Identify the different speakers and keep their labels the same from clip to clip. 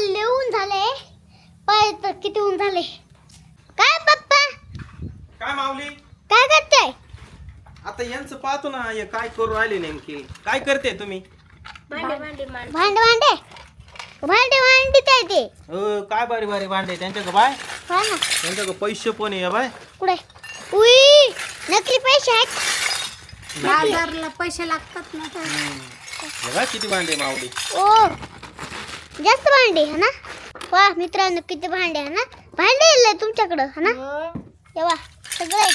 Speaker 1: लिहून झाले पाय तर किती ऊन झाले. काय पप्पा
Speaker 2: काय माऊली
Speaker 1: काय करताय?
Speaker 2: आता यांचं पाहतो ना हे काय करू राहिले नेमके. काय करते तुम्ही?
Speaker 1: भांडे भांडे भांडे भांडे भांडे ते
Speaker 2: काय बारी बारी भांडे त्यांच्याकडे बाय.
Speaker 1: हा ना
Speaker 2: त्यांच्याकडे पैसे पण आहे बाय.
Speaker 1: कुठे? उई नकली पैसे आहेत.
Speaker 3: बाजारला पैसे लागतात ना.
Speaker 2: हे बघ किती भांडे माऊली.
Speaker 1: ओ जास्त भांडे है ना. वा मित्रांनो किती भांडे है ना. भांडे येले तुमच्याकडं है ना. तेव्हा सगळे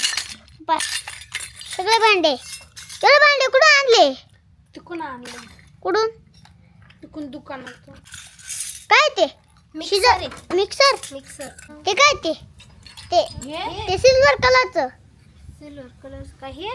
Speaker 1: सगळे भांडे एवढे भांडे कुठून आणले?
Speaker 3: तिकून आणले.
Speaker 1: कुठून?
Speaker 3: तिकून दुकानात.
Speaker 1: काय ते?
Speaker 3: Mixer
Speaker 1: mixer
Speaker 3: mixer.
Speaker 1: ते काय ते ते ते सिल्वर कलरचं.
Speaker 3: सिल्वर कलर का हे?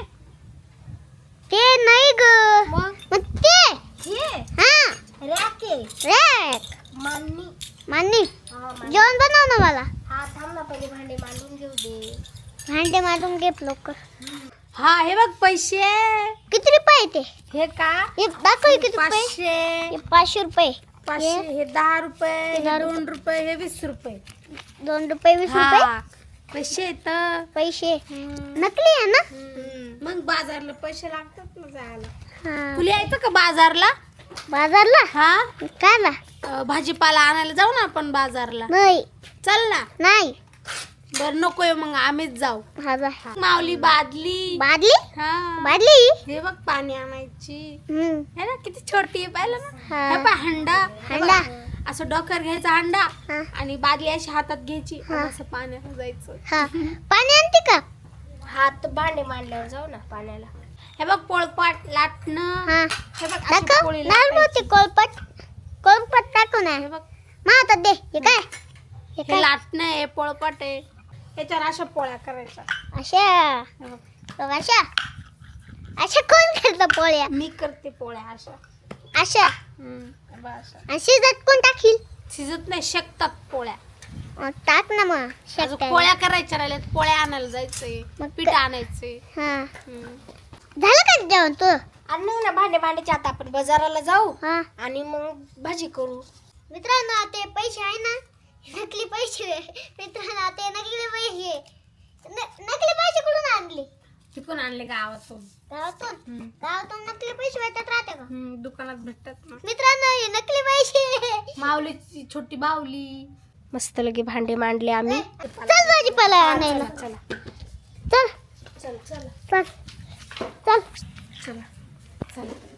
Speaker 1: ते नाही ग.
Speaker 3: मग
Speaker 1: ते
Speaker 3: हे
Speaker 1: हा
Speaker 3: रॅक आहे.
Speaker 1: रॅक
Speaker 3: मांडणी.
Speaker 1: मान्नी
Speaker 3: हा
Speaker 1: जेवण बनव ना मला.
Speaker 3: हा थांब ना पहिले भांडे मांडून घेऊ दे.
Speaker 1: भांडे मारून घे लवकर.
Speaker 3: हा हे बघ पैसे.
Speaker 1: किती रुपये ते?
Speaker 3: हे का?
Speaker 1: हे दाखव हे किती रुपये.
Speaker 3: 500.
Speaker 1: हे 500 रुपये.
Speaker 3: 500 हे 10 रुपये. हे
Speaker 1: 10
Speaker 3: 2 रुपये. हे 20 रुपये.
Speaker 1: 2 रुपये 20 रुपये
Speaker 3: हा पैसे येत.
Speaker 1: पैसे नकली आहे ना.
Speaker 3: मग बाजारला पैसे लागतात ना जायला.
Speaker 1: हा
Speaker 3: तुला यायचं का बाजारला?
Speaker 1: बाजारला
Speaker 3: हा
Speaker 1: काय ना.
Speaker 3: भाजीपाला आणायला जाऊ ना आपण बाजारला.
Speaker 1: नाही
Speaker 3: चल ना.
Speaker 1: नाही
Speaker 3: बर नकोय मग आम्हीच जाऊ.
Speaker 1: हा जा.
Speaker 3: माऊली बादली.
Speaker 1: बादली
Speaker 3: हा
Speaker 1: बादली
Speaker 3: हे बघ पाणी आणायची.
Speaker 1: हम्म
Speaker 3: है ना किती छोटी आहे पाहिलं ना.
Speaker 1: हा.
Speaker 3: हे पहा हंडा. हे
Speaker 1: हंडा.
Speaker 3: बघ, असं डोक्यावर घ्यायचा हंडा
Speaker 1: हा.
Speaker 3: आणि बादली अशी हातात घ्यायची
Speaker 1: हा.
Speaker 3: आणि असं पाण्यात जायचं.
Speaker 1: हा पाणी आणते का?
Speaker 3: हात भांडे मांडल्यावर जाऊ ना पाण्याला. हे बघ पोळपाट लाटणं.
Speaker 1: हा
Speaker 3: हे बघ अशी
Speaker 1: दाखव
Speaker 3: पोळी
Speaker 1: लाल
Speaker 3: लाटायची.
Speaker 1: मोती कोलपट टाकू ना.
Speaker 3: हे बघ
Speaker 1: मा आता दे हे काय हे
Speaker 3: हे
Speaker 1: काय
Speaker 3: लाटणं आहे पोळपाट आहे. याच्यावर अशा पोळ्या करायच्या.
Speaker 1: अशा
Speaker 3: हे बघ,
Speaker 1: बघ, अशा अशा कोण करतं पोळ्या?
Speaker 3: मी करते पोळ्या अशा.
Speaker 1: अशा
Speaker 3: हे बघ अशा.
Speaker 1: आणि शिजत कोण टाकील?
Speaker 3: शिजत नाही शेकतात पोळ्या.
Speaker 1: टाक ना मग
Speaker 3: अजून
Speaker 1: शेकटायला.
Speaker 3: पोळ्या करायच्या राहिल्यात. पोळ्या आणायला जायचंय.
Speaker 1: मग
Speaker 3: पीठ आणायचंय.
Speaker 1: हा झालं का जेवण तू?
Speaker 3: आणू ना भांडे मांडायचे. आता आपण बाजाराला जाऊ
Speaker 1: हा
Speaker 3: आणि मग भाजी करू.
Speaker 1: मित्रांनो ते पैसे आहे ना नकली पैसे. मित्रांनो ते नकली पैसे नकली पैसे कुठून आणले?
Speaker 3: तिकून आणले गावातून.
Speaker 1: गावातून नकली पैसे भेटत राहते का?
Speaker 3: दुकानात भेटतात ना.
Speaker 1: मित्रांनो हे नकली पैसे.
Speaker 3: माऊलीची छोटी बाहुली. मस्त लगे भांडे मांडले आम्ही.
Speaker 1: चल भाजीपाला आणायला.
Speaker 3: चला
Speaker 1: चल
Speaker 3: चल चल
Speaker 1: चल चल
Speaker 3: चला चला.